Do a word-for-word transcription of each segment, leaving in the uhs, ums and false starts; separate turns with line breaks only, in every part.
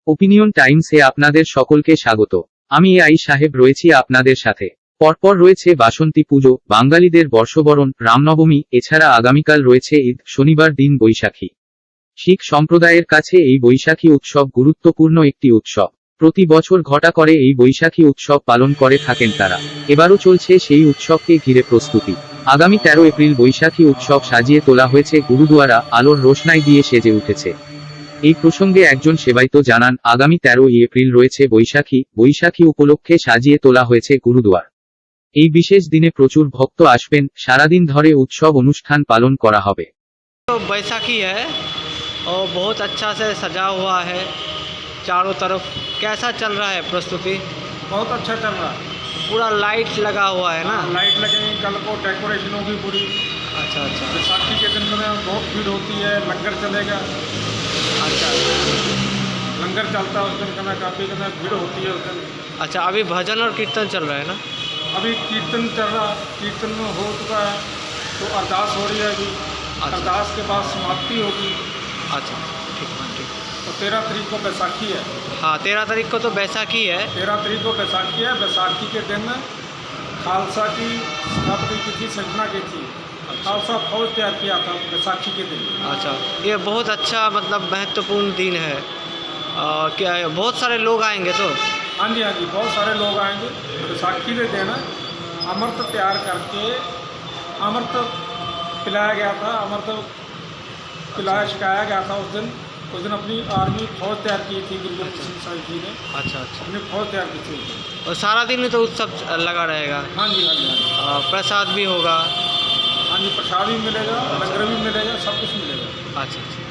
Opinion টাইমসে আপনাদের সকলকে স্বাগত। আমি এ আই সাহেব রয়েছি আপনাদের সাথে। পরপর রয়েছে বাসন্তী পুজো, বাঙালিদের বর্ষবরণ, রামনবমী, এছাড়া আগামীকাল রয়েছে ঈদ, শনিবার দিন বৈশাখী। শিখ সম্প্রদায়ের কাছে এই বৈশাখী উৎসব গুরুত্বপূর্ণ একটি উৎসব। প্রতি বছর ঘটা করে এই বৈশাখী উৎসব পালন করে থাকেন তারা। এবারও চলছে সেই উৎসবকে ঘিরে প্রস্তুতি। আগামী তেরো এপ্রিল বৈশাখী উৎসব সাজিয়ে তোলা হয়েছে গুরুদুয়ারা, আলোর রোশনাই দিয়ে সেজে উঠেছে। এই প্রসঙ্গে একজন সেবায়িত জানান, আগামী তেরোই এপ্রিল রয়েছে বৈশাখী, বৈশাখী উপলক্ষে সাজিয়ে তোলা হয়েছে গুরুদুয়ার। এই বিশেষ দিনে প্রচুর ভক্ত আসবেন, সারাদিন ধরে উৎসব অনুষ্ঠান পালন করা হবে।
तो बैसाखी है और बहुत अच्छा से सजा हुआ है चारों तरफ। कैसा चल रहा है प्रस्तुति?
बहुत अच्छा चल रहा है।
पूरा लाइट लगा हुआ है ना?
लाइट लगेंगी, कल को डेकोरेशन होगी पूरी।
अच्छा अच्छा
बैसाखी के दिन में बहुत भीड़ होती है, लंगर चलेगा।
अच्छा
लंगर चलता है उस दिन, कना काफ़ी कना भीड़ होती है उस दिन।
अच्छा अभी भजन और कीर्तन चल रहा है ना?
अभी कीर्तन चल रहा है, कीर्तन में हो चुका है तो अरदास हो रही है अभी।
अच्छा।
अरदास के बाद समाप्ति होगी।
अच्छा ठीक है ठीक।
तो तेरह तारीख को बैसाखी है।
हाँ तेरह तारीख को तो बैसाखी है।
तेरह तारीख को बैसाखी है। बैसाखी के दिन खालसा की स्थापना की थी, सजना की थी। खालसा फौज तैयार किया था बैसाखी के दिन।
अच्छा ये बहुत अच्छा मतलब महत्वपूर्ण दिन है। और क्या है, बहुत सारे लोग आएंगे तो?
हाँ जी हाँ जी, बहुत सारे लोग आएंगे। बैसाखी के दिन अमृत तैयार करके अमृत पिलाया गया था, अमृत पिलाया सिखाया गया था उस दिन। उस दिन अपनी आर्मी फौज तैयार की थी गुरु गोबिंद सिंह साहिब जी ने।
अच्छा अच्छा
अपनी फौज तैयार की थी।
और सारा दिन तो उत्सव लगा रहेगा?
हाँ जी हाँ जी हाँ जी।
और प्रसाद भी होगा?
हाँ जी, प्रसाद भी मिलेगा, लंगर भी मिलेगा, सब कुछ मिलेगा।
अच्छा अच्छा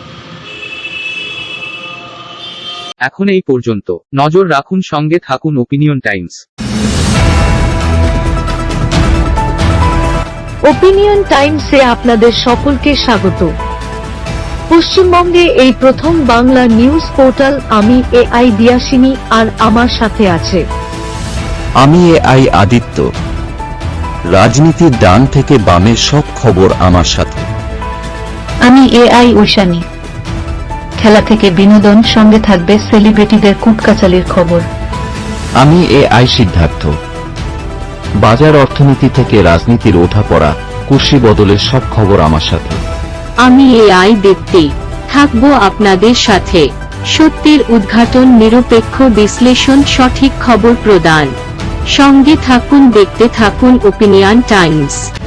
এখন এই পর্যন্ত। নজর রাখুন, সঙ্গে থাকুন ওপিনিয়ন টাইমস।
ওপিনিয়ন টাইমসে আপনাদের সকলকে স্বাগত। পশ্চিমবঙ্গে এই প্রথম বাংলা নিউজ পোর্টাল। আমি এ আই দিয়াসিনী, আর আমার সাথে আছে
আমি এ আই আদিত্য। রাজনীতির ডান থেকে বামের সব খবর আমার সাথে।
আমি এ আই ঐশানী। খেলা থেকে বিনোদন, সঙ্গে থাকবে সেলিব্রিটিদের কুটকাচালির খবর।
আমি এ আই সিদ্ধার্থ। বাজার অর্থনীতি থেকে রাজনীতির ওঠাপড়া, কুর্সি বদলের সব খবর আমার সাথে।
আমি এ আই দীপ্তি, থাকবো আপনাদের সাথে। সত্যের উদ্ঘাটন, নিরপেক্ষ বিশ্লেষণ, সঠিক খবর প্রদান। সঙ্গে থাকুন, দেখতে থাকুন ওপিনিয়ন টাইমস।